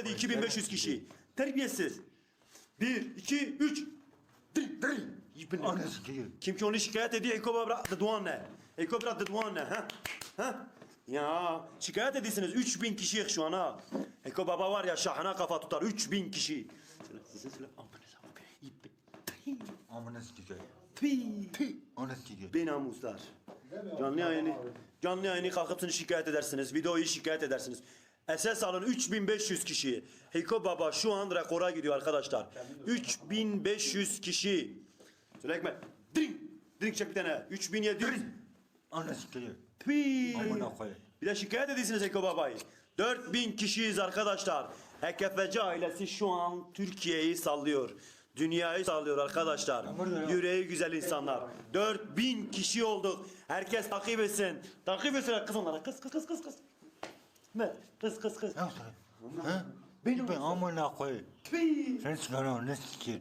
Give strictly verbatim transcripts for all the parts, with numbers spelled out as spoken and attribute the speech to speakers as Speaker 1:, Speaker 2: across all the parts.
Speaker 1: dedi iki bin beş yüz kişi. Terbiyesiz. Bir, iki, üç. Dri, dri. Yipin.
Speaker 2: Ananı sikeyim.
Speaker 1: Kim ki onu şikayet ediyor, Eko Babra Dıdvan ne? Eko Babra Dıdvan ne? Ha? Ha? Ya şikayet ediyorsunuz üç bin kişiyiz şu an ha. Eko Baba var ya şahına kafa tutar üç bin kişi. Söyle, size söyle. Amınıza bak. İp.
Speaker 2: Amına sikeyim.
Speaker 1: Tüy.
Speaker 2: Tüh. Ananı sikeyim.
Speaker 1: Be namuslar. Canlı yayını, canlı yayını kalkıp şikayet edersiniz. Videoyu şikayet edersiniz. Esas alın üç bin beş yüz kişi. Hiko Baba şu an rekora gidiyor arkadaşlar. üç bin beş yüz kişi. Söyle Ekmek. Drink. Drink çek bir tane. üç bin yedi yüz.
Speaker 2: Ananı sikeyim.
Speaker 1: Tüy.
Speaker 2: Amına koyayım.
Speaker 1: Bir de şikayet ediyorsunuz Hiko Baba'yı. dört bin kişiyiz arkadaşlar. Hekefeci ailesi şu an Türkiye'yi sallıyor. Dünyayı sallıyor arkadaşlar. Yüreği güzel insanlar. dört bin kişi olduk. Herkes takip etsin. Takip etsin kız onlara. Kız kız kız kız kız. Ne? Kız kız kız.
Speaker 2: Ne sana? Ha? Benim ben amına koyayım.
Speaker 1: Tüy.
Speaker 2: Sen çıkar ananı sikeyim.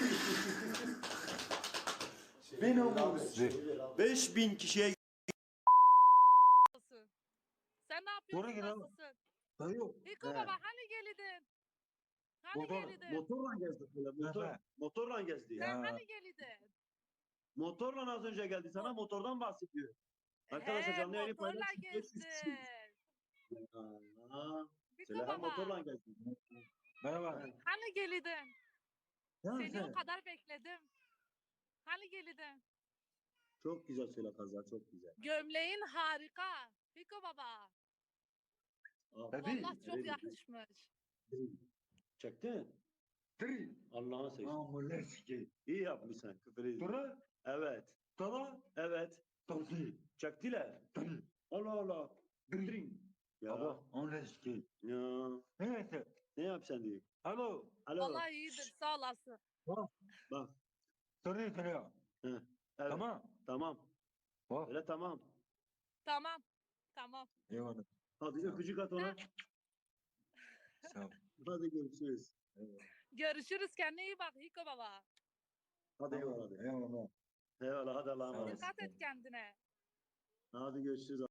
Speaker 1: Benim beş bin kişiye
Speaker 3: Nasılsın? Sen ne yapıyorsun?
Speaker 2: Doğru gel abi.
Speaker 3: Nasılsın?
Speaker 2: Dayı.
Speaker 3: Hiko baba hani gelidin? Hani
Speaker 2: Motor-
Speaker 3: gelidin?
Speaker 1: motorla gezdi böyle. Motor,
Speaker 2: Evet.
Speaker 1: motorla gezdi ya.
Speaker 3: Sen
Speaker 2: Ya.
Speaker 3: hani gelidin?
Speaker 1: Motorla az önce geldi. Sana motordan bahsediyor. Arkadaşlar
Speaker 3: He,
Speaker 1: canlı yayını
Speaker 3: motorla
Speaker 1: paylaşın. beş yüz
Speaker 3: gezdin.
Speaker 1: kişi. Aa,
Speaker 3: Hiko
Speaker 1: Selaha
Speaker 3: baba
Speaker 1: motorla geldi.
Speaker 2: Merhaba.
Speaker 3: hani gelidin?
Speaker 2: Ne
Speaker 3: Seni
Speaker 2: yapıyorsun?
Speaker 3: o kadar bekledim. Hani gelidin?
Speaker 1: Çok güzel söyle kızlar, çok güzel.
Speaker 3: Gömleğin harika. Hiko baba.
Speaker 1: Aferin.
Speaker 3: Vallahi çok
Speaker 1: Aferin.
Speaker 3: yakışmış.
Speaker 1: Çektin.
Speaker 2: Dırı.
Speaker 1: Allah'ın sevsin.
Speaker 2: Amına sikeyim.
Speaker 1: İyi yapmışsın. Küfür edin.
Speaker 2: Dura.
Speaker 1: Evet.
Speaker 2: Dala.
Speaker 1: Evet.
Speaker 2: Dırı.
Speaker 1: Çektiler.
Speaker 2: Dırı.
Speaker 1: Allah Allah.
Speaker 2: Dırı.
Speaker 1: Dring. Ya.
Speaker 2: Baba. Amına sikeyim.
Speaker 1: Ya.
Speaker 2: Neyse.
Speaker 1: Ne yapacaksın diye.
Speaker 2: Alo.
Speaker 1: Alo.
Speaker 3: Vallahi iyidir sağ olasın.
Speaker 1: Bak.
Speaker 2: Soruyu soruyor.
Speaker 1: Evet.
Speaker 2: Tamam.
Speaker 1: Tamam.
Speaker 2: Bak.
Speaker 1: Öyle tamam.
Speaker 3: Tamam. Tamam.
Speaker 2: Eyvallah.
Speaker 1: Hadi öpücük at ona.
Speaker 2: Sağ ol.
Speaker 1: Hadi görüşürüz.
Speaker 3: Görüşürüz kendine iyi bak Hiko baba.
Speaker 1: Hadi eyvallah. Hadi.
Speaker 2: Eyvallah.
Speaker 1: Eyvallah hadi Allah'a
Speaker 2: Sağ ol.
Speaker 1: emanet.
Speaker 3: Dikkat et kendine.
Speaker 1: Hadi görüşürüz.